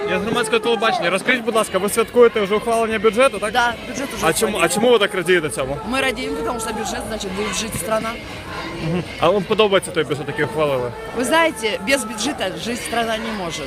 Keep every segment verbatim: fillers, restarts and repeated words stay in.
Я з громадського телебачення. Розкажіть, будь ласка, ви святкуєте вже ухвалення бюджету, так? Да, бюджет уже А чому, а ухвалили. чому ви так радієте цьому? Мы радеем, потому что бюджет, значит, будет жить страна. А вам подобається той бюджет, який ухвалили? Вы знаете, без бюджета жить страна не может.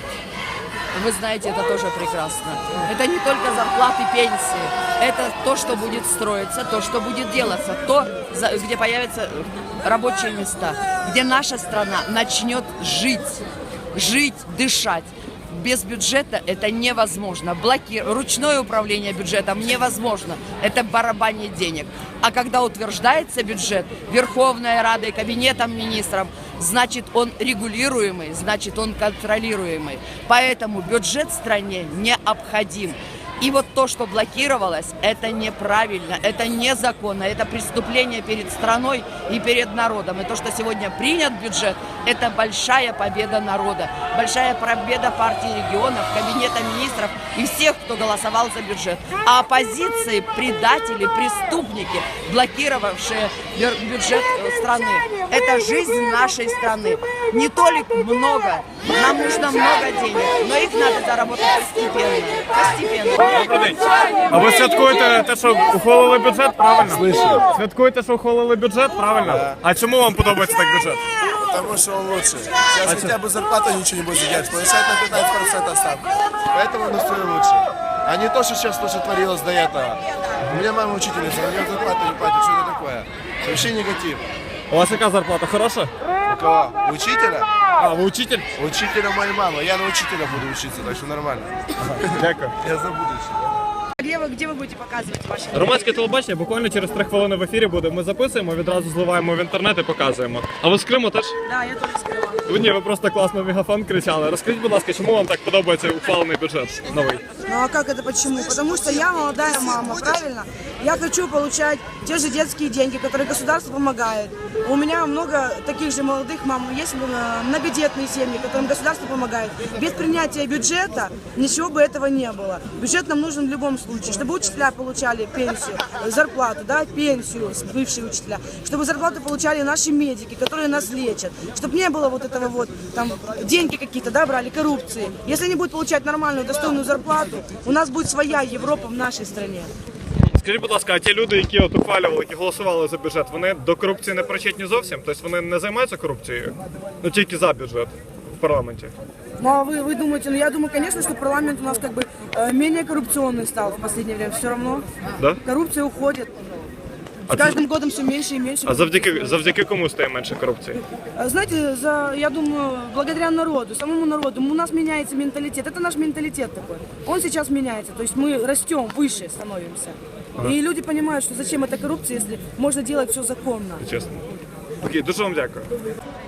Вы знаете, это тоже прекрасно. Это не только зарплаты, пенсии. Это то, что будет строиться, то, что будет делаться, то, за- где появятся рабочие места, где наша страна начнет жить, жить, дышать. Без бюджета это невозможно. Блоки... Ручное управление бюджетом невозможно. Это барабанье денег. А когда утверждается бюджет Верховной Радой, Кабинетом министров, значит он регулируемый, значит он контролируемый. Поэтому бюджет в стране необходим. И вот то, что блокировалось, это неправильно, это незаконно, это преступление перед страной и перед народом. И то, что сегодня принят бюджет, это большая победа народа, большая победа партии регионов, Кабинета министров и всех, кто голосовал за бюджет. А оппозиции, предатели, преступники, блокировавшие бюджет страны, это жизнь нашей страны. Не только много, нам нужно много денег, но их надо заработать постепенно, постепенно. Добрий день. А ви святкуєте те, що ухвалили бюджет, правильно? Слышу. Святкуєте, що ухвалили бюджет, правильно? Да. А чому вам подобається так бюджет? Потому что он лучше. Сейчас хотя бы зарплата ничего не будет задержать. Повышать на пятнадцать процентов ставку. Поэтому он устроил лучше. А не то, что сейчас то, что творилось до этого. У меня мама учительница, она мне зарплату не платит. Что это такое? Вообще негатив. У вас яка зарплата? Хороша? У кого? У учителя? А, ви учитель? У учителя моя мама. Я на учителя буду учиться, так что нормально. Дякую. Я за будущее. Где вы, где вы будете показывать ваши? Громадське телебачення буквально через три хвилини в ефірі буде. Ми записуємо, відразу зливаємо в інтернет і показуємо. А ви з Криму теж? Да, я тоже скрыла. Ви ні, ви просто класно в мегафон кричали. Розкажіть, будь ласка, чому вам так подобається ухвалений бюджет новий? Ну а как это почему? Потому что я молодая мама, правильно? Я хочу получать те же детские деньги, которые государство помогает. У меня много таких же молодых мам, есть э, многодетные семьи, которым государство помогает. Без принятия бюджета ничего бы этого не было. Бюджет нам нужен в любом случае, чтобы учителя получали пенсию, зарплату, да, пенсию, бывшие учителя, чтобы зарплату получали наши медики, которые нас лечат, чтобы не было вот этого вот, там, деньги какие-то, да, брали, коррупции. Если они будут получать нормальную, достойную зарплату, у нас будет своя Европа в нашей стране. Скажіть, будь ласка, а ті люди, які от ухвалювали, які голосували за бюджет, вони до корупції не причетні зовсім? Тобто вони не займаються корупцією? Ну тільки за бюджет в парламенті. Ну а вы, вы думаете, ну я думаю, конечно, что парламент у нас как бы э, менее коррупционный стал в последнее время. Все равно Да? коррупция уходит. А С каждым годом все меньше и меньше. А завдяки, завдяки кому стає менше корупції? А знаете, за, я думаю, благодаря народу, самому народу, у нас меняется менталитет. Это наш менталитет такой. Он сейчас меняется. То есть мы растем, выше становимся. И люди понимают, что зачем эта коррупция, если можно делать все законно. Чесно. Окей, дуже вам дякую.